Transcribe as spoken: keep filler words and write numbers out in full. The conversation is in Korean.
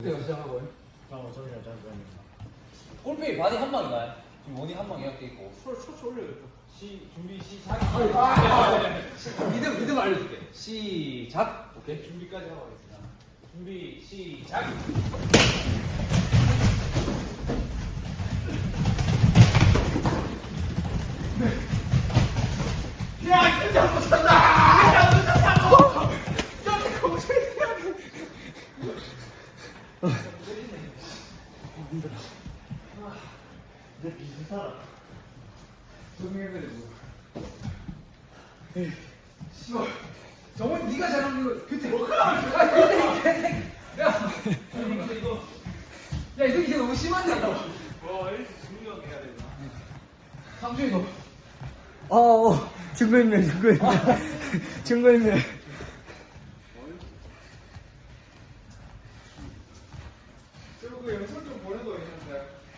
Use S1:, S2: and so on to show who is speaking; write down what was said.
S1: 네, 시작하고요.
S2: 자, 저는 여자 입니다.
S3: 골페이 바디 한 방인가요? 지금 원이 한 방이 이렇게 있고.
S2: 술 초초 올려야겠다. 시 준비 시작.
S1: 리듬 리듬 알려줄게. 시작. 오케이.
S2: 준비까지 하고 가겠습니다. 준비 시작. 야, 진짜 못 찬다. 야, 못 찬다고. 야, 거짓말. 힘들어. 이제 비슷하다.
S1: 정해야 에이, 씨발. 정원 네가 잘하는 거 그때 뭐가? 아, 그때 개새끼. 야, 이거. 야, 이 새끼 너무 심한데 이거.
S2: 와, 이렇게 중요하게 해야 되나?
S1: 상준이 너.
S4: 어, 어, 증거인멸, 증거인멸. 증거인멸.
S1: 저거 그 영상 좀 보내도 있는데.